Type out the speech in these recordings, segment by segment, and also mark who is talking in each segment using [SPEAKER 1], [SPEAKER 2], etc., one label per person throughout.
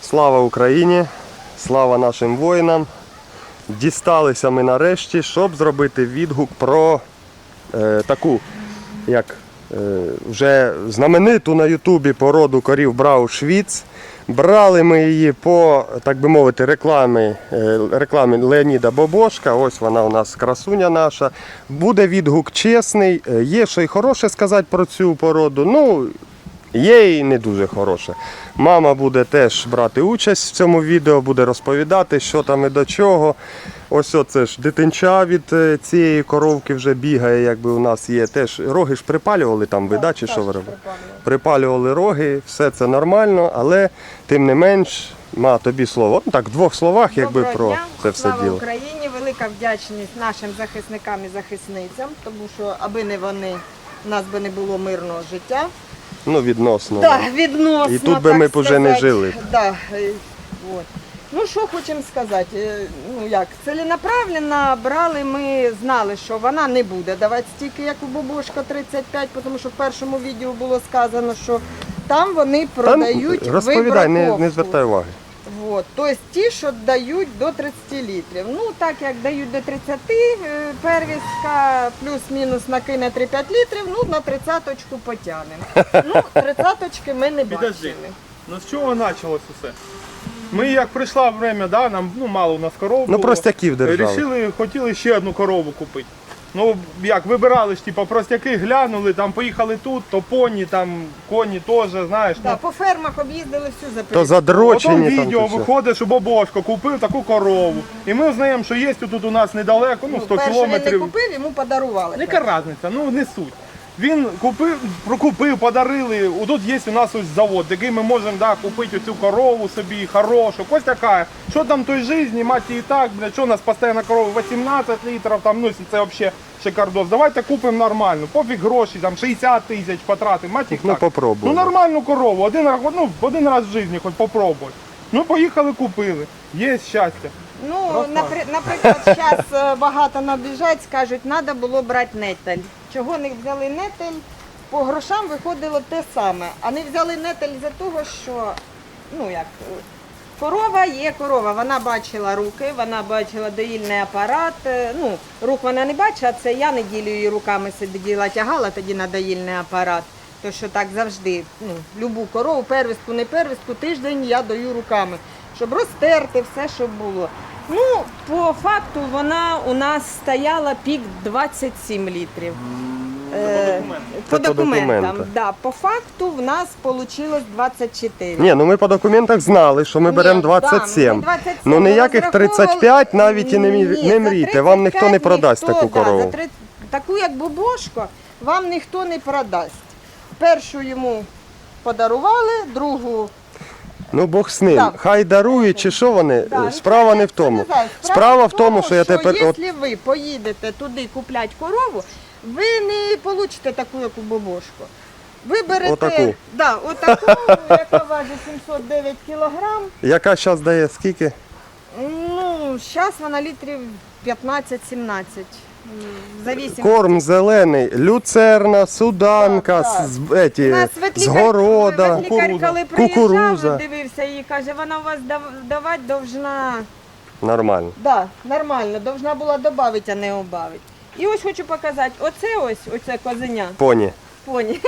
[SPEAKER 1] Слава Україні! Слава нашим воїнам! Дісталися ми нарешті, щоб зробити відгук про таку, як вже знамениту на Ютубі породу корів Брау-Швіц. Брали ми її по, так би мовити, рекламі Леоніда Бобошка. Ось вона у нас красуня наша. Буде відгук чесний. Є що й хороше сказати про цю породу. Ну, є і не дуже хороше. Мама буде теж брати участь в цьому відео, буде розповідати, що там і до чого. Ось оце ж дитинча від цієї коровки вже бігає, якби у нас є. Теж роги ж припалювали там, ви, да, чи що ви робили? Припалювали роги, все це нормально, але тим не менш, ма, тобі слово. Ну так, в двох словах, якби про це все
[SPEAKER 2] Слава
[SPEAKER 1] діло.
[SPEAKER 2] Україні, велика вдячність нашим захисникам і захисницям, тому що аби не вони, у нас би не було мирного життя.
[SPEAKER 1] Ну, відносно.
[SPEAKER 2] Так, відносно,
[SPEAKER 1] І тут би
[SPEAKER 2] так
[SPEAKER 1] ми б уже не
[SPEAKER 2] сказати.
[SPEAKER 1] жили.
[SPEAKER 2] Да, от. Ну, що хочемо сказати, ну як, ціленаправленно брали, ми знали, що вона не буде давати стільки, як у Бобошка 35, тому що в першому відео було сказано, що там вони продають
[SPEAKER 1] розповідай, не
[SPEAKER 2] вибраковку.
[SPEAKER 1] звертай уваги.
[SPEAKER 2] Вот. Тобто ті, що дають до 30 літрів. Ну, так як дають до 30, первістка плюс-мінус накине 3-5 літрів, ну, на 30-очку потягнемо. Ну, 30-очки ми не
[SPEAKER 3] Підожди.
[SPEAKER 2] бачили.
[SPEAKER 3] Ну з чого почалось усе? Ми як прийшло время, да, нам мало у нас коров було.
[SPEAKER 1] Ну, простяків держали.
[SPEAKER 3] Хотіли ще одну корову купити. Ну, як, вибирали ж, типу, простяки, глянули, там поїхали тут, то поні, там коні теж, знаєш.
[SPEAKER 2] Да, по фермах об'їздили всю
[SPEAKER 1] То
[SPEAKER 2] Запоріжжя.
[SPEAKER 1] задрочені
[SPEAKER 3] Потім
[SPEAKER 1] там.
[SPEAKER 3] відео
[SPEAKER 1] то все.
[SPEAKER 3] виходить, що Бобошко купив таку корову. І ми знаємо, що є тут у нас недалеко, ну 100
[SPEAKER 2] перше він не
[SPEAKER 3] кілометрів.
[SPEAKER 2] купив, йому подарували.
[SPEAKER 3] Яка різниця, ну не суть. Він прокупив, подарили. Тут є у нас ось завод, який ми можемо, да, купити цю корову собі, хорошу, ось така. Що там в той житті, мать і так, бля, що у нас постійно корова 18 літрів, там, ну це взагалі шикардос. Давайте купимо нормальну, пофіг гроші, там 60 тисяч потратимо, мать їх
[SPEAKER 1] Ну,
[SPEAKER 3] так.
[SPEAKER 1] попробуй.
[SPEAKER 3] Ну нормальну корову, один раз в житті хоч попробуй. Ну поїхали, купили, є щастя.
[SPEAKER 2] Ну, наприклад, зараз багато набіжать, скажуть, треба було брати нетель. Чого не взяли нетель? По грошам виходило те саме. А не взяли нетель за того, що, ну як, корова є корова. Вона бачила руки, вона бачила доїльний апарат. Ну, рук вона не бачила, це я неділю її руками сиділа, тягала тоді на доїльний апарат. То що так завжди, ну, любу корову, первістку, не первістку, тиждень я даю руками, щоб розтерти все, що було. Ну, по факту вона у нас стояла пік 27 літрів. По документам. Да. По факту в нас вийшло 24.
[SPEAKER 1] Ні, ну ми по документах знали, що ми беремо 27. Ну ніяких 35 навіть і не мрійте, вам ніхто не продасть таку корову.
[SPEAKER 2] Таку як Бобошко вам ніхто не продасть. Першу йому подарували, другу...
[SPEAKER 1] Ну Бог з ним,
[SPEAKER 2] Так.
[SPEAKER 1] хай дарують чи що вони,
[SPEAKER 2] Да,
[SPEAKER 1] справа не в тому. Справа в тому, що я тепер...
[SPEAKER 2] Якщо ви поїдете туди купляти корову, ви не получите таку, як у Бобошко. Ви берете
[SPEAKER 1] Отаку.
[SPEAKER 2] Да, отаку, яка важить 709 кілограм.
[SPEAKER 1] Яка зараз дає скільки?
[SPEAKER 2] Ну, зараз вона літрів 15-17. Завісім.
[SPEAKER 1] Корм зелений, люцерна, суданка,
[SPEAKER 2] Так, так.
[SPEAKER 1] з города,
[SPEAKER 2] коли
[SPEAKER 1] кукуруза.
[SPEAKER 2] дивився її, каже, вона у вас давати довжна...
[SPEAKER 1] Нормально.
[SPEAKER 2] Да, нормально, должна була додати, а не убавити. І ось хочу показати, оце козеня,
[SPEAKER 1] Поні.
[SPEAKER 2] поні.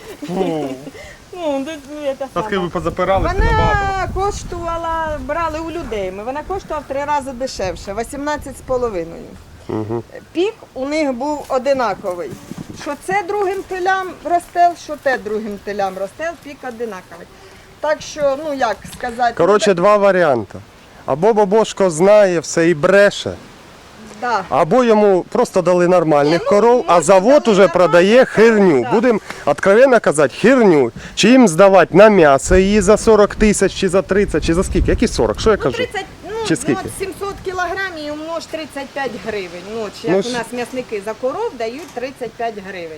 [SPEAKER 2] Ну, це
[SPEAKER 3] Таски
[SPEAKER 2] саме.
[SPEAKER 3] ви позапиралися набагато.
[SPEAKER 2] Вона коштувала, брали у людей, вона коштувала в 3 рази дешевше, 18,5.
[SPEAKER 1] Угу.
[SPEAKER 2] Пік у них був одинаковий. Що це другим телям ростел, що те другим телям ростел, пік одинаковий. Так що, ну як сказати...
[SPEAKER 1] Коротше, два варіанти. Або Бобошко знає все і бреше,
[SPEAKER 2] да.
[SPEAKER 1] або йому просто дали нормальних
[SPEAKER 2] Ні, ну,
[SPEAKER 1] коров, а
[SPEAKER 2] може,
[SPEAKER 1] завод
[SPEAKER 2] дали
[SPEAKER 1] уже продає
[SPEAKER 2] нормальних
[SPEAKER 1] херню.
[SPEAKER 2] коров, да.
[SPEAKER 1] Будемо відкровенно казати, херню. Чи їм здавати на м'ясо її за 40 тисяч, чи за 30, чи за скільки? Які 40? Що я
[SPEAKER 2] Ну,
[SPEAKER 1] кажу?
[SPEAKER 2] 30,
[SPEAKER 1] Чи
[SPEAKER 2] ну,
[SPEAKER 1] скільки?
[SPEAKER 2] от 700 кілограмів і умнож 35 гривень. Ну, от, як
[SPEAKER 1] Ну,
[SPEAKER 2] у нас м'ясники за коров дають 35 гривень.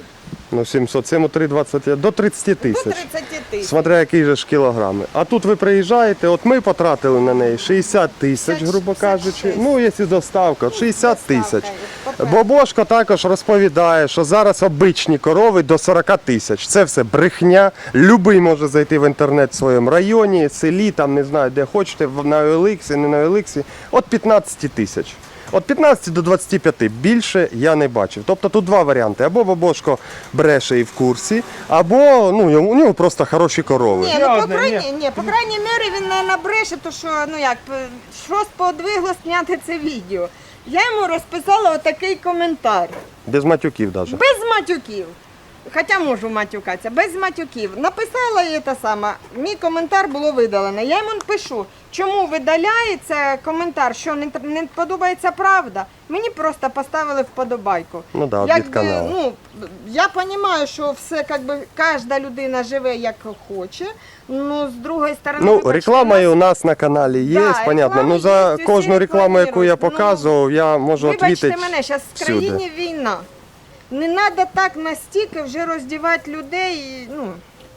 [SPEAKER 1] Ну 707, 3,20, до 30
[SPEAKER 2] До
[SPEAKER 1] тисяч.
[SPEAKER 2] 30 тисяч.
[SPEAKER 1] Смотря які же ж кілограми. А тут ви приїжджаєте, от ми потратили на неї 60 тисяч, грубо
[SPEAKER 2] 66.
[SPEAKER 1] кажучи. Ну, якщо доставка, от 60 тисяч.
[SPEAKER 2] Доставка,
[SPEAKER 1] Бобошко також розповідає, що зараз обичні корови до 40 тисяч. Це все брехня. Любий може зайти в інтернет в своєму районі, селі, там не знаю, де хочете, на OLX, не на OLX. От 15 тисяч. От 15 до 25 більше я не бачив. Тобто тут два варіанти. Або Бобошко бреше і в курсі, або ну, у нього просто хороші корови.
[SPEAKER 2] Ні, ну по
[SPEAKER 3] Серйозно,
[SPEAKER 2] крайній мірі він не набреше, то що, ну як, щось подвигло зняти це відео. Я йому розписала отакий коментар.
[SPEAKER 1] Без матюків навіть.
[SPEAKER 2] Без матюків. Хоча можу матюкатися, без матюків. Написала їй те саме, мій коментар було видалено. Я йому пишу, чому видаляється коментар, що не подобається правда. Мені просто поставили вподобайку.
[SPEAKER 1] Ну да, від
[SPEAKER 2] Якби,
[SPEAKER 1] каналу.
[SPEAKER 2] ну, я розумію, що все, якби, кожна людина живе як хоче. Ну, з другої сторони,
[SPEAKER 1] Ну,
[SPEAKER 2] вибачте,
[SPEAKER 1] реклама
[SPEAKER 2] нас-
[SPEAKER 1] і у нас на каналі є,
[SPEAKER 2] Да,
[SPEAKER 1] понятно.
[SPEAKER 2] реклама
[SPEAKER 1] Ну за
[SPEAKER 2] є, усі
[SPEAKER 1] кожну рекламу, яку я
[SPEAKER 2] рекламують. Ну,
[SPEAKER 1] показував, я можу
[SPEAKER 2] Вибачте
[SPEAKER 1] відповідати.
[SPEAKER 2] мене, зараз в
[SPEAKER 1] всюди.
[SPEAKER 2] країні війна. Не треба так настільки вже роздівати людей. Ну,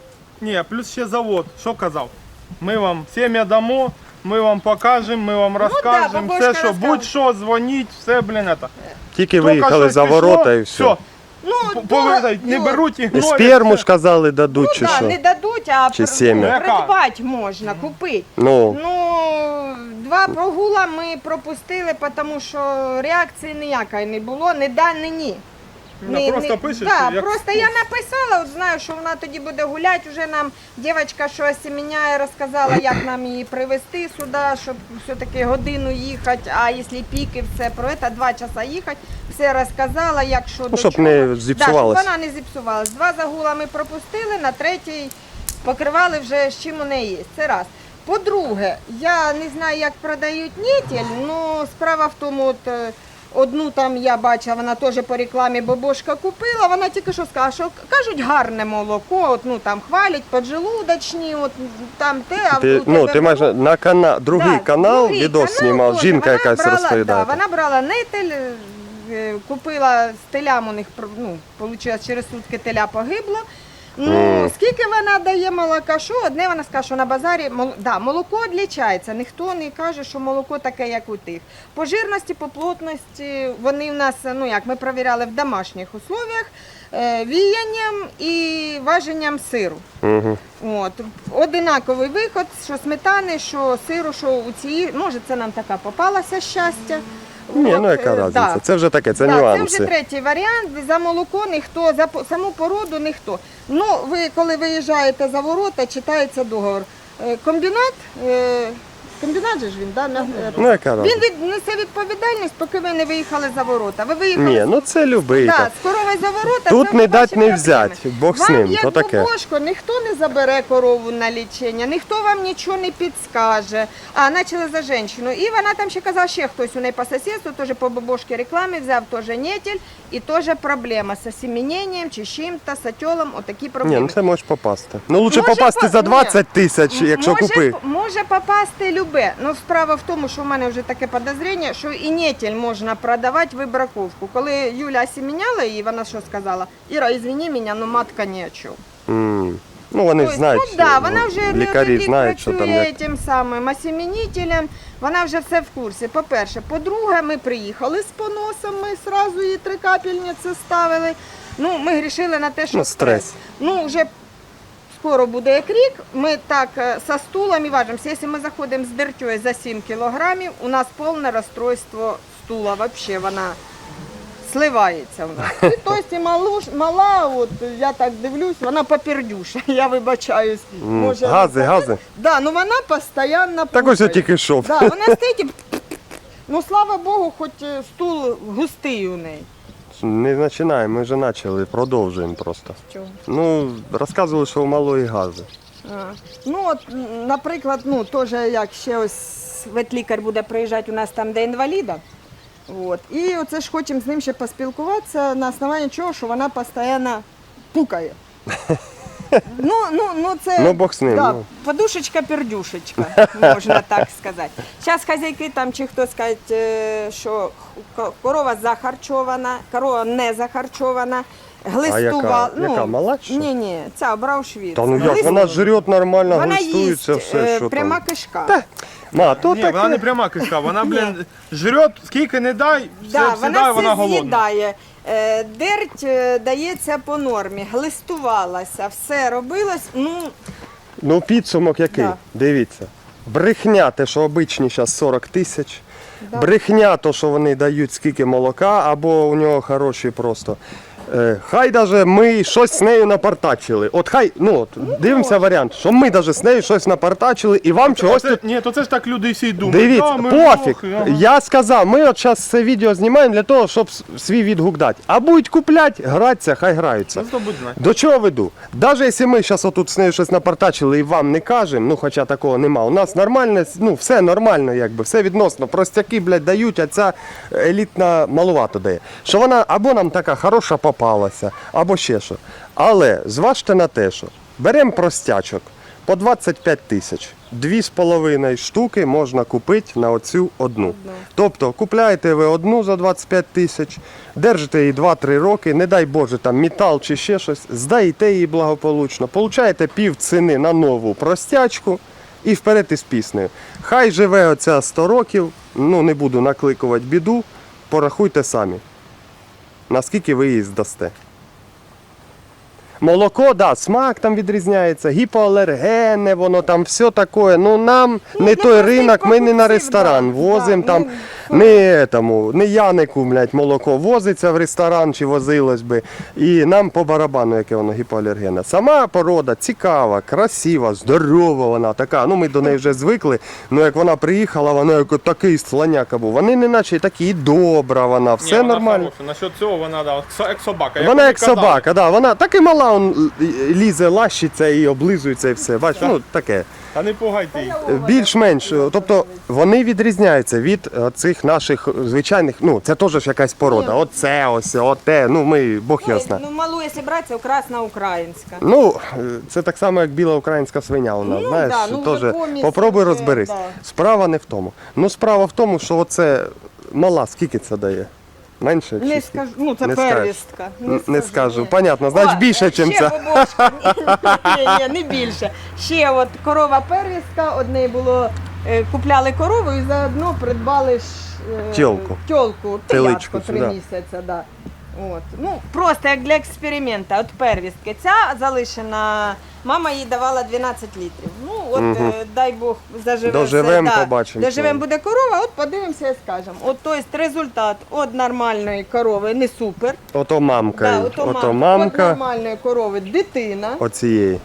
[SPEAKER 3] Ні, плюс ще завод. Що казав? Ми вам сім'я дамо, ми вам покажемо, ми вам розкажемо.
[SPEAKER 2] бабушка
[SPEAKER 3] Все, що
[SPEAKER 2] розказує.
[SPEAKER 3] будь-що, дзвоніть, все, блін, это.
[SPEAKER 1] Тільки
[SPEAKER 3] Тільки
[SPEAKER 1] виїхали
[SPEAKER 3] щось
[SPEAKER 1] за
[SPEAKER 3] пішло,
[SPEAKER 1] ворота і все.
[SPEAKER 2] ну,
[SPEAKER 3] Повертають, не
[SPEAKER 2] ну,
[SPEAKER 3] беруть їх.
[SPEAKER 1] І сперму ж казали дадуть,
[SPEAKER 2] Ну
[SPEAKER 1] чи
[SPEAKER 2] так,
[SPEAKER 1] що.
[SPEAKER 2] не дадуть, а
[SPEAKER 1] Чи сім'я?
[SPEAKER 2] придбати можна, купити.
[SPEAKER 1] Ну,
[SPEAKER 2] Ну, два прогула ми пропустили, тому що реакції ніякої не було, не да, не ні.
[SPEAKER 3] Вона просто пише,
[SPEAKER 2] да,
[SPEAKER 3] що як-
[SPEAKER 2] просто я написала, от знаю, що вона тоді буде гуляти, вже нам дівчинка, що осіміняє, розказала, як нам її привезти сюди, щоб все-таки годину їхати, а якщо піки, все про це, 2 часа їхати, все розказала, як що до
[SPEAKER 1] щоб
[SPEAKER 2] чого.
[SPEAKER 1] не зіпсувалось.
[SPEAKER 2] Да, щоб вона не зіпсувалась. 2 загула ми пропустили, на 3-й покривали вже з чим у неї є. Це раз. По-друге, я не знаю, як продають нітель, але справа в тому, от, одну там я бачила, вона теж по рекламі Бобошка купила, вона тільки що сказала, що кажуть гарне молоко, от, ну там хвалять, поджелудочні, от там те, а
[SPEAKER 1] ти,
[SPEAKER 2] у
[SPEAKER 1] ну,
[SPEAKER 2] тебе
[SPEAKER 1] ти майже на другий
[SPEAKER 2] Да,
[SPEAKER 1] канал
[SPEAKER 2] другий
[SPEAKER 1] відос
[SPEAKER 2] канал
[SPEAKER 1] знімав,
[SPEAKER 2] теж.
[SPEAKER 1] жінка
[SPEAKER 2] Вона
[SPEAKER 1] якась
[SPEAKER 2] брала,
[SPEAKER 1] розповідає.
[SPEAKER 2] Да, вона брала нетель, купила з телям у них, ну, вийшло, через сутки теля погибло. Ну, скільки вона дає молока, що одне вона сказала, що на базарі да, молоко відлічається, ніхто не каже, що молоко таке, як у тих. По жирності, по плотності, вони в нас, ну як, ми перевіряли в домашніх условіях, віянням і важенням сиру.
[SPEAKER 1] Угу.
[SPEAKER 2] От, одинаковий виход, що сметани, що сиру, що у цій, може це нам така попалася щастя.
[SPEAKER 1] Ні,
[SPEAKER 2] От,
[SPEAKER 1] ну яка різниця,
[SPEAKER 2] да.
[SPEAKER 1] це вже таке, це
[SPEAKER 2] Да,
[SPEAKER 1] нюанси.
[SPEAKER 2] це вже третій варіант. За молоко ніхто, за саму породу ніхто. Ну, ви коли виїжджаєте за ворота, читається договор. Комбінат, комбінат же ж він, да?
[SPEAKER 1] Ну яка
[SPEAKER 2] Він
[SPEAKER 1] різниця?
[SPEAKER 2] несе відповідальність, поки ви не виїхали за ворота. Ви виїхали
[SPEAKER 1] Ні, ну це любий.
[SPEAKER 2] да,
[SPEAKER 1] так.
[SPEAKER 2] з корови за ворота.
[SPEAKER 1] Тут
[SPEAKER 2] це
[SPEAKER 1] не
[SPEAKER 2] вже
[SPEAKER 1] дать,
[SPEAKER 2] ваші
[SPEAKER 1] не
[SPEAKER 2] проблеми.
[SPEAKER 1] взять, Бог з
[SPEAKER 2] Вам,
[SPEAKER 1] ним,
[SPEAKER 2] як
[SPEAKER 1] то таке.
[SPEAKER 2] бабушко, ніхто не забере корову на лічення, ніхто вам нічого не підскаже. А, почали за жінку. І вона там ще казала, ще хтось у неї по сусідству, теж по бабушці рекламі, взяв теж нетель, і теж проблема з осіміненням чи з чим-то, з отьолом, отакі
[SPEAKER 1] Ні,
[SPEAKER 2] проблеми.
[SPEAKER 1] ну це можеш попасти. Ну лучше
[SPEAKER 2] Може,
[SPEAKER 1] попасти за
[SPEAKER 2] ні.
[SPEAKER 1] 20 тисяч, якщо
[SPEAKER 2] може,
[SPEAKER 1] купи.
[SPEAKER 2] Може попасти любе. Ну, справа в тому, що в мене вже таке підозріння, що і нетель можна продавати вибраковку. Коли Юля осіміняла її, вона що сказала? Іра, извини мене, ну матка ні о чому.
[SPEAKER 1] Ну вони ж
[SPEAKER 2] Тобто,
[SPEAKER 1] знають,
[SPEAKER 2] ну, да, вона вже
[SPEAKER 1] лікарі
[SPEAKER 2] рік
[SPEAKER 1] знають, що там
[SPEAKER 2] працює
[SPEAKER 1] як.
[SPEAKER 2] тим самим осімінителем, вона вже все в курсі. По-перше. По-друге, ми приїхали з поносом, ми одразу їй 3 капельниці ставили. Ну, ми грішили на те, що
[SPEAKER 1] Ну, стрес.
[SPEAKER 2] Ну, вже скоро буде як рік, ми так со стулом і важимося. Якщо ми заходимо з дертьою за 7 кілограмів, у нас повне розстройство стула, взагалі вона сливається в нас. І тобто мала, от я так дивлюсь, вона попердюша, я вибачаюсь. Може,
[SPEAKER 1] Гази.
[SPEAKER 2] Да, ну вона постійно
[SPEAKER 1] Так ось я
[SPEAKER 2] пукає.
[SPEAKER 1] тільки йшов.
[SPEAKER 2] Да, вона стоїть і ну слава Богу, хоч стул густий у неї.
[SPEAKER 1] Не починаємо, ми вже почали, продовжуємо просто.
[SPEAKER 2] Чого?
[SPEAKER 1] Ну, розказували, що у малої гази.
[SPEAKER 2] Ну, от, наприклад, ну, теж як ще ось ветлікар буде приїжджати у нас там, де інваліда. От. І оце ж хочемо з ним ще поспілкуватися на основанні чого, що вона постійно пукає. Ну, це
[SPEAKER 1] Ну, Бог з ним,
[SPEAKER 2] Да,
[SPEAKER 1] ну.
[SPEAKER 2] подушечка-пердюшечка, можна так сказати. Зараз хазяйки там чи хто скаже, що корова захарчована, корова не захарчована. Глистувала.
[SPEAKER 1] Яка, мала чи що?
[SPEAKER 2] Ні, ця Браушвіц.
[SPEAKER 1] Та ну як, вона жрет нормально,
[SPEAKER 2] Вона
[SPEAKER 1] глистується,
[SPEAKER 2] їсть
[SPEAKER 1] все, що
[SPEAKER 2] пряма
[SPEAKER 1] там.
[SPEAKER 2] кишка.
[SPEAKER 1] Ма, то
[SPEAKER 3] Ні,
[SPEAKER 1] таке.
[SPEAKER 3] вона не пряма кишка, вона, блін, жрет, скільки не дай, все
[SPEAKER 2] Да,
[SPEAKER 3] всегда
[SPEAKER 2] вона
[SPEAKER 3] вона
[SPEAKER 2] все
[SPEAKER 3] голодна.
[SPEAKER 2] з'їдає. Дерть дається по нормі, глистувалася, все робилось.
[SPEAKER 1] Ну підсумок який?
[SPEAKER 2] Да.
[SPEAKER 1] Дивіться. Брехня, те, що обичні зараз 40 тисяч.
[SPEAKER 2] Да.
[SPEAKER 1] Брехня, то, що вони дають скільки молока, або у нього хороші просто. Хай даже ми щось з нею напартачили. От хай, дивимося варіант, що ми даже з нею щось напартачили і вам чогось тут.
[SPEAKER 3] Ні, то це ж так люди всі й думають.
[SPEAKER 1] Дивіться,
[SPEAKER 3] Да, ми
[SPEAKER 1] пофіг.
[SPEAKER 3] лохи, ага.
[SPEAKER 1] Я сказав, ми от зараз це відео знімаємо для того, щоб свій відгук дати. А будуть купляти, гратися, хай граються.
[SPEAKER 3] Ну, хто буде знати.
[SPEAKER 1] До чого веду? Навіть якщо ми зараз отут з нею щось напартачили і вам не кажемо, ну хоча такого нема, у нас нормально, все нормально, якби, все відносно. Простяки, блядь, дають, а ця елітна малувато дає. Що вона або нам така хороша попалася, або ще що. Але зважте на те, що беремо простячок по 25 тисяч. 2,5 штуки можна купити на оцю одну. Тобто купляєте ви одну за 25 тисяч, держите її 2-3 роки, не дай Боже, там метал чи ще щось, здаєте її благополучно, получаєте пів ціни на нову простячку і вперед із піснею. Хай живе оця 100 років, не буду накликувати біду, порахуйте самі, наскільки ви її здасте. Молоко, да, смак там відрізняється, гіпоалергенне, воно там все таке. Нам не той ринок, ми не на ресторан возимо там, не Янику, блядь, молоко возиться в ресторан чи возилось би. І нам по барабану, яке воно гіпоалергенне. Сама порода цікава, красива, здорова вона така. Ми до неї вже звикли. Як вона приїхала, вона як такий слоняка був. Вони не наче такі, і добра вона, все
[SPEAKER 3] Ні, вона
[SPEAKER 1] нормально.
[SPEAKER 3] хороша. Насчет цього вона, да, як собака.
[SPEAKER 1] Вона як собака, да, вона так і мала, лізе, лащиться і облизується і все. Бач, таке.
[SPEAKER 3] Та не пугайте її.
[SPEAKER 1] Більш-менш, тобто вони відрізняються від цих наших звичайних, це теж якась порода. Оце, ось, оте, ми, Бог його знає.
[SPEAKER 2] Малу, якщо брати, це красна українська.
[SPEAKER 1] Це так само, як біла українська свиня у нас, знаєш,
[SPEAKER 2] вже
[SPEAKER 1] теж
[SPEAKER 2] помість
[SPEAKER 1] попробуй
[SPEAKER 2] вже,
[SPEAKER 1] розберись.
[SPEAKER 2] да.
[SPEAKER 1] Справа не в тому. Справа в тому, що оце мала, скільки це дає? Менше?
[SPEAKER 2] Не
[SPEAKER 1] чи
[SPEAKER 2] скажу,
[SPEAKER 1] скільки?
[SPEAKER 2] це
[SPEAKER 1] Не скажеш.
[SPEAKER 2] первістка.
[SPEAKER 1] Не скажу.
[SPEAKER 2] ні.
[SPEAKER 1] Понятно, значить більше, ніж
[SPEAKER 2] ще
[SPEAKER 1] це.
[SPEAKER 2] бабушка. Ні, не більше. Ще от корова первістка, одне було, купляли корову і заодно придбали
[SPEAKER 1] Тьолку.
[SPEAKER 2] Тьолку,
[SPEAKER 1] Теличку,
[SPEAKER 2] телятку 3
[SPEAKER 1] да.
[SPEAKER 2] місяці, да. Просто як для експерименту, от первістки. Ця залишена, мама їй давала 12 літрів. Дай Бог, заживе
[SPEAKER 1] Доживем,
[SPEAKER 2] все.
[SPEAKER 1] побачимо.
[SPEAKER 2] Доживем, буде корова, от подивимося і скажемо. Тобто результат від нормальної корови не супер.
[SPEAKER 1] Ото мамка,
[SPEAKER 2] Ото
[SPEAKER 1] ото
[SPEAKER 2] Від
[SPEAKER 1] мамка
[SPEAKER 2] нормальної корови дитина.
[SPEAKER 1] оцієї.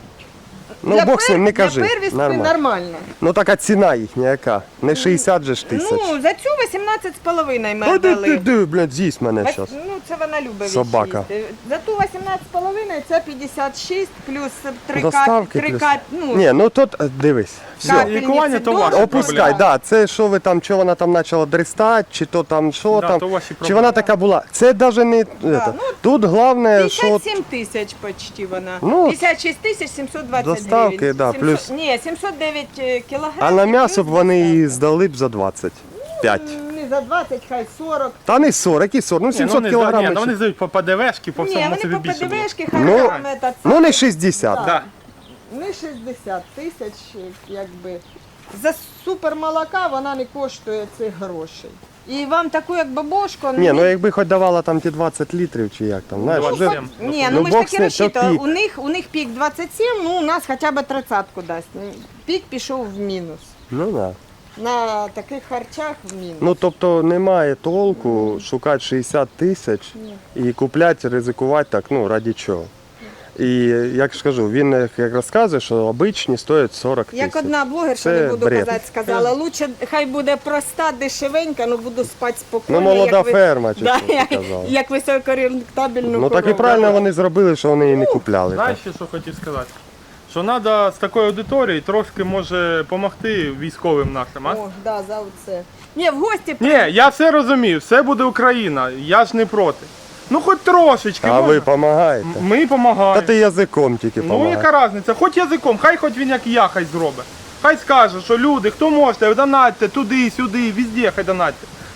[SPEAKER 1] Бог з ним, не кажи.
[SPEAKER 2] Для первістки
[SPEAKER 1] Нормально.
[SPEAKER 2] нормально.
[SPEAKER 1] Така ціна їхня яка? Не 60 же ж тисяч.
[SPEAKER 2] За цю 18,5 ми дали.
[SPEAKER 1] Блядь, з'їсть мене зараз.
[SPEAKER 2] Це вона любить
[SPEAKER 1] Собака.
[SPEAKER 2] відчисти. За ту 18,5 це 56 плюс 3
[SPEAKER 1] Доставки
[SPEAKER 2] капельниці.
[SPEAKER 1] плюс. Ні, тут дивись. Все.
[SPEAKER 3] Лікування то ваше.
[SPEAKER 1] Опускай, да, це що ви там, що вона там почала дрестати, чи то там, що
[SPEAKER 3] Да,
[SPEAKER 1] там,
[SPEAKER 3] то ваші
[SPEAKER 1] чи
[SPEAKER 3] проблеми.
[SPEAKER 1] вона така була. Це навіть не. Тут головне, що
[SPEAKER 2] 57 тисяч почти вона.
[SPEAKER 1] Ну,
[SPEAKER 2] 56 тисяч 729.
[SPEAKER 1] доставки, да, плюс-
[SPEAKER 2] Ні, 709 кілограмів.
[SPEAKER 1] а на м'ясо б
[SPEAKER 2] плюс
[SPEAKER 1] вони
[SPEAKER 2] доставка.
[SPEAKER 1] її здали б за 25.
[SPEAKER 2] Не за 20, хай 40.
[SPEAKER 1] Та не 40, і 40, 700 кілограмів.
[SPEAKER 3] Вони здають по ПДВшки, по
[SPEAKER 2] Ні,
[SPEAKER 3] всьому
[SPEAKER 2] вони
[SPEAKER 3] собі
[SPEAKER 2] по
[SPEAKER 3] більше. було.
[SPEAKER 2] ПДВшки, хай
[SPEAKER 1] Ну,
[SPEAKER 2] там це.
[SPEAKER 1] не 60.
[SPEAKER 3] Да.
[SPEAKER 2] Не 60 тисяч, якби. За супермолока вона не коштує цих грошей. І вам таку, як бабушку,
[SPEAKER 1] Ні, якби хоч давала там ті 20 літрів чи як там, знаєш,
[SPEAKER 3] Ну,
[SPEAKER 1] вже...
[SPEAKER 3] хоч-
[SPEAKER 2] Ні,
[SPEAKER 1] Ну,
[SPEAKER 2] ми ж
[SPEAKER 1] бог
[SPEAKER 2] таки
[SPEAKER 1] з ним,
[SPEAKER 2] розчитували.
[SPEAKER 1] то пік.
[SPEAKER 2] У них пік 27, у нас хоча б 30-ку дасть. Пік пішов в мінус.
[SPEAKER 1] Ну, да.
[SPEAKER 2] На таких харчах в мінус.
[SPEAKER 1] Тобто немає толку шукати 60 тисяч і купляти, ризикувати так, раді чого. І як ж кажу, він як розказує, що обичні стоять 40 тисяч.
[SPEAKER 2] Як одна блогерша,
[SPEAKER 1] Це
[SPEAKER 2] не буду
[SPEAKER 1] бред.
[SPEAKER 2] казати, сказала, лучше хай буде проста, дешевенька, але буду спати спокійно.
[SPEAKER 1] молода
[SPEAKER 2] як ви-
[SPEAKER 1] ферма, чи
[SPEAKER 2] да,
[SPEAKER 1] що ти
[SPEAKER 2] як,
[SPEAKER 1] казала.
[SPEAKER 2] як високорентабельну
[SPEAKER 1] Так і правильно вони зробили, що вони її не купляли. Так.
[SPEAKER 3] Знаєш, що хотів сказати? Що треба з такою аудиторією трошки може допомогти військовим нашим, а?
[SPEAKER 2] О, да, за оце. Ні, в гості
[SPEAKER 3] Ні, я все розумію, все буде Україна, я ж не проти. Хоч трошечки.
[SPEAKER 1] А
[SPEAKER 3] можна?
[SPEAKER 1] ви допомагаєте?
[SPEAKER 3] Ми
[SPEAKER 1] Та
[SPEAKER 3] допомагаємо.
[SPEAKER 1] ти язиком тільки
[SPEAKER 3] Ну
[SPEAKER 1] допомагаєш.
[SPEAKER 3] яка різниця? Хоч язиком, хай він як я, хай зробить. Хай скаже, що люди, хто можете, донатьте туди, сюди, везде хай донатьте.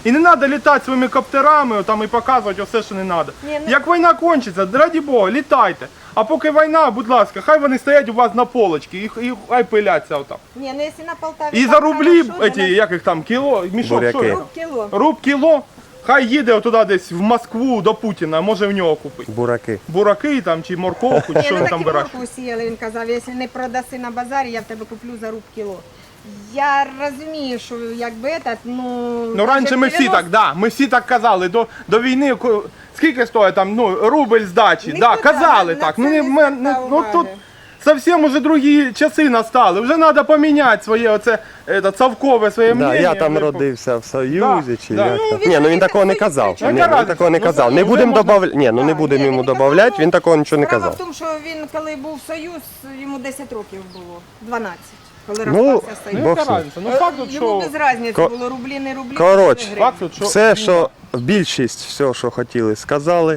[SPEAKER 3] І не треба літати своїми коптерами там, і показувати все, що не треба.
[SPEAKER 2] Ні, ну-
[SPEAKER 3] Як війна кончиться, раді Бога, літайте. А поки війна, будь ласка, хай вони стоять у вас на полочці і хай пиляться отам.
[SPEAKER 2] Ні, ну якщо на Полтаві...
[SPEAKER 3] І
[SPEAKER 2] так
[SPEAKER 3] за рублі,
[SPEAKER 2] хорошо,
[SPEAKER 3] эти, як їх там, кіло, мішок,
[SPEAKER 1] Буряки.
[SPEAKER 3] що
[SPEAKER 2] Руб кіло.
[SPEAKER 3] Руб кіло, хай їде туди десь в Москву до Путіна, може в нього купити.
[SPEAKER 1] Бураки.
[SPEAKER 3] Бураки там чи морковку, чи
[SPEAKER 2] Ні,
[SPEAKER 3] що
[SPEAKER 2] ну
[SPEAKER 3] він
[SPEAKER 2] так
[SPEAKER 3] там
[SPEAKER 2] і
[SPEAKER 3] вирощує.
[SPEAKER 2] моркву сіяли, він казав, якщо не продаси на базарі, я в тебе куплю за руб кіло. Я розумію, що якби этот, ну...
[SPEAKER 3] Ну раніше ми всі
[SPEAKER 2] 90
[SPEAKER 3] так, да, ми всі так казали, до війни, скільки стоїть там, рубль здачі,
[SPEAKER 2] Ніхто
[SPEAKER 3] да,
[SPEAKER 2] так,
[SPEAKER 3] казали
[SPEAKER 2] на
[SPEAKER 3] так.
[SPEAKER 2] це
[SPEAKER 3] Ну,
[SPEAKER 2] не
[SPEAKER 3] ми,
[SPEAKER 2] звертав
[SPEAKER 3] ну тут
[SPEAKER 2] уваги.
[SPEAKER 3] зовсім уже другі часи настали, вже треба поміняти своє оце, совкове своє
[SPEAKER 1] Да,
[SPEAKER 3] мнення.
[SPEAKER 1] я там
[SPEAKER 3] вже.
[SPEAKER 1] родився в Союзі, чи
[SPEAKER 3] да.
[SPEAKER 1] як
[SPEAKER 2] Ну,
[SPEAKER 1] там.
[SPEAKER 2] він
[SPEAKER 1] Ні, ну він
[SPEAKER 2] не
[SPEAKER 1] такого не
[SPEAKER 2] так
[SPEAKER 1] казав.
[SPEAKER 2] звичайно.
[SPEAKER 1] Ні,
[SPEAKER 3] Яка
[SPEAKER 1] він такого не
[SPEAKER 3] разниця?
[SPEAKER 1] казав.
[SPEAKER 3] Ну,
[SPEAKER 1] Не
[SPEAKER 3] вже
[SPEAKER 1] будемо
[SPEAKER 3] можна-
[SPEAKER 1] добавляти. Ні, ну не
[SPEAKER 2] Так,
[SPEAKER 1] будемо
[SPEAKER 2] ні,
[SPEAKER 1] йому
[SPEAKER 2] він не
[SPEAKER 1] додавати,
[SPEAKER 2] казав,
[SPEAKER 1] він такого нічого не
[SPEAKER 2] Справа
[SPEAKER 1] казав.
[SPEAKER 2] в тому, що він, коли був Союз, йому 10 років було, 12, коли
[SPEAKER 1] Ну,
[SPEAKER 2] розпався Союз.
[SPEAKER 3] Ну,
[SPEAKER 1] Бог
[SPEAKER 3] яка
[SPEAKER 1] з ним.
[SPEAKER 3] разниця? Ну факт тут,
[SPEAKER 2] Йому
[SPEAKER 3] що...
[SPEAKER 2] без різниці
[SPEAKER 1] Ко-
[SPEAKER 2] було рублі, не рублі.
[SPEAKER 1] Коротше,
[SPEAKER 2] гривні.
[SPEAKER 3] Факт тут, що...
[SPEAKER 1] Все, що більшість, все, що хотіли, сказали.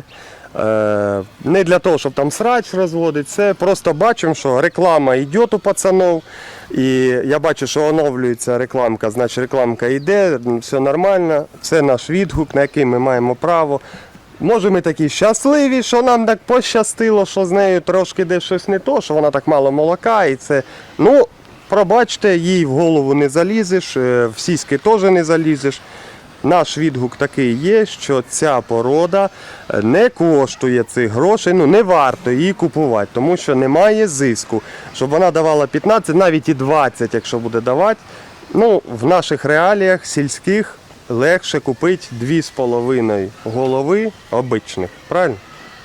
[SPEAKER 1] Не для того, щоб там срач розводити, це просто бачимо, що реклама йде у пацанов. І я бачу, що оновлюється рекламка, значить рекламка йде, все нормально, це наш відгук, на який ми маємо право. Може ми такі щасливі, що нам так пощастило, що з нею трошки десь щось не то, що вона так мало молока і це. Ну, пробачте, їй в голову не залізеш, в сіськи теж не залізеш. Наш відгук такий є, що ця порода не коштує цих грошей, ну не варто її купувати, тому що немає зиску. Щоб вона давала 15, навіть і 20, якщо буде давати. Ну, в наших реаліях сільських легше купити 2,5 голови обичних, правильно?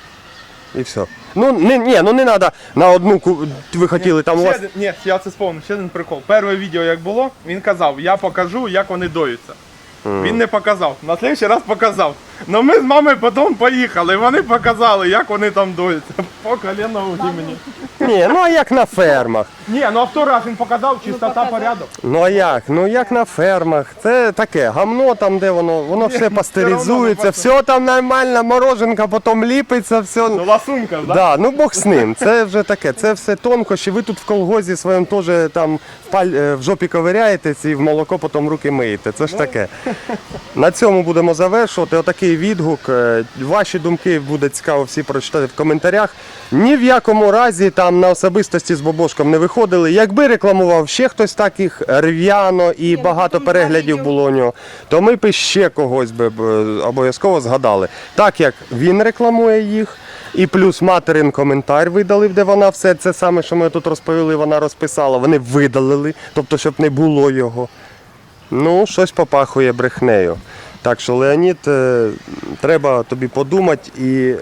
[SPEAKER 1] І все. Ну не треба на одну, ви хотіли там у вас...
[SPEAKER 3] Ні, я це сповнив, ще один прикол. Перше відео як було, він казав, я покажу, як вони доються. Він не показав. На слідчий раз показав. Ну ми з мамою потім поїхали, вони показали, як вони там доються. По коліна у гімені.
[SPEAKER 1] Ні, ну а як на фермах?
[SPEAKER 3] Ні, ну а второй раз він показав, чистота,
[SPEAKER 2] показав.
[SPEAKER 3] порядок.
[SPEAKER 1] Ну а як? Ну як на фермах. Це таке гамно там, де воно все пастеризується,
[SPEAKER 3] все
[SPEAKER 1] все там нормально, мороженка потім ліпиться, все.
[SPEAKER 3] Ну ласунка, да?
[SPEAKER 1] Да, ну Бог з ним. Це вже таке, це все тонкощі. Ви тут в колгозі своєму теж там в жопі ковиряєтесь і в молоко потім руки миєте. Це ж таке. На цьому будемо завершувати. Отакий відгук. Ваші думки буде цікаво всі прочитати в коментарях. Ні в якому разі там на особистості з Бобошком не виходили. Якби рекламував ще хтось таких рв'яно і
[SPEAKER 2] ну,
[SPEAKER 1] багато
[SPEAKER 2] потім
[SPEAKER 1] переглядів
[SPEAKER 2] два
[SPEAKER 1] було у нього, то ми б ще когось би обов'язково згадали. Так як він рекламує їх, і плюс материн коментар видалив, де вона все це саме, що ми тут розповіли, вона розписала, вони видалили, тобто, щоб не було його. Ну, щось попахує брехнею. Так що, Леонід, треба тобі подумати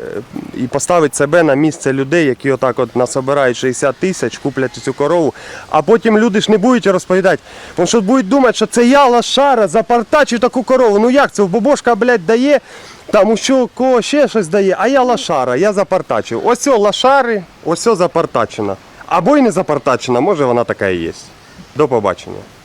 [SPEAKER 1] і поставити себе на місце людей, які отак от насобирають 60 тисяч, куплять цю корову, а потім люди ж не будуть розповідати. Тому що будуть думати, що це я, лошара, запартачив таку корову. Ну як це, Бобошка, блядь, дає, там що, кого ще щось дає, а я лошара, я запартачив. Ось о лошари, ось о запартачена. Або й не запартачена, може вона така і є. До побачення.